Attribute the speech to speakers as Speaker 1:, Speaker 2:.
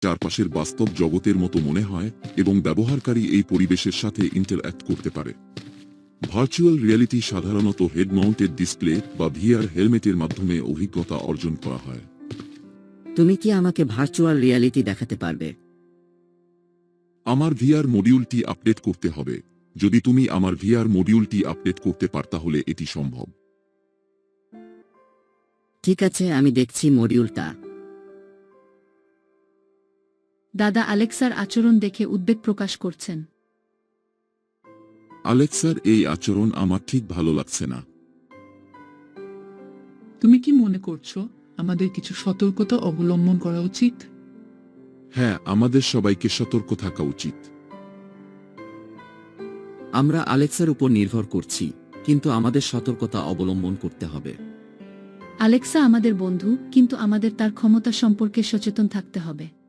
Speaker 1: চারপাশের বাস্তব জগতের মতো মনে হয় এবং ব্যবহারকারী এই পরিবেশের সাথে ইন্টারঅ্যাক্ট করতে পারে। ভার্চুয়াল রিয়েলিটি সাধারণত হেড মাউন্টেড ডিসপ্লে বা ভিআর হেলমেটের মাধ্যমে অভিজ্ঞতা অর্জন করা হয়।
Speaker 2: তুমি কি আমাকে ভার্চুয়াল রিয়ালিটি দেখাতে পারবে?
Speaker 1: আমার ভিআর মডিউলটি আপডেট করতে হবে। যদি তুমি আমার ভিআর মডিউলটি আপডেট করতে পার তাহলে এটি সম্ভব।
Speaker 2: ঠিক আছে, আমি দেখছি মডিউলটা।
Speaker 3: দাদা আলেক্সার আচরণ দেখে উদ্বেগ প্রকাশ করছেন।
Speaker 1: আলেক্সার এই আচরণ আমার ঠিক ভালো লাগছে না।
Speaker 4: তুমি কি মনে করছো আমাদের কিছু সতর্কতা অবলম্বন করা উচিত?
Speaker 1: হ্যাঁ, আমাদের সবাইকে সতর্ক থাকা উচিত।
Speaker 2: আমরা আলেক্সার উপর নির্ভর করছি, কিন্তু আমাদের সতর্কতা অবলম্বন করতে হবে।
Speaker 3: আলেক্সা আমাদের বন্ধু, কিন্তু আমাদের তার ক্ষমতা সম্পর্কে সচেতন থাকতে হবে।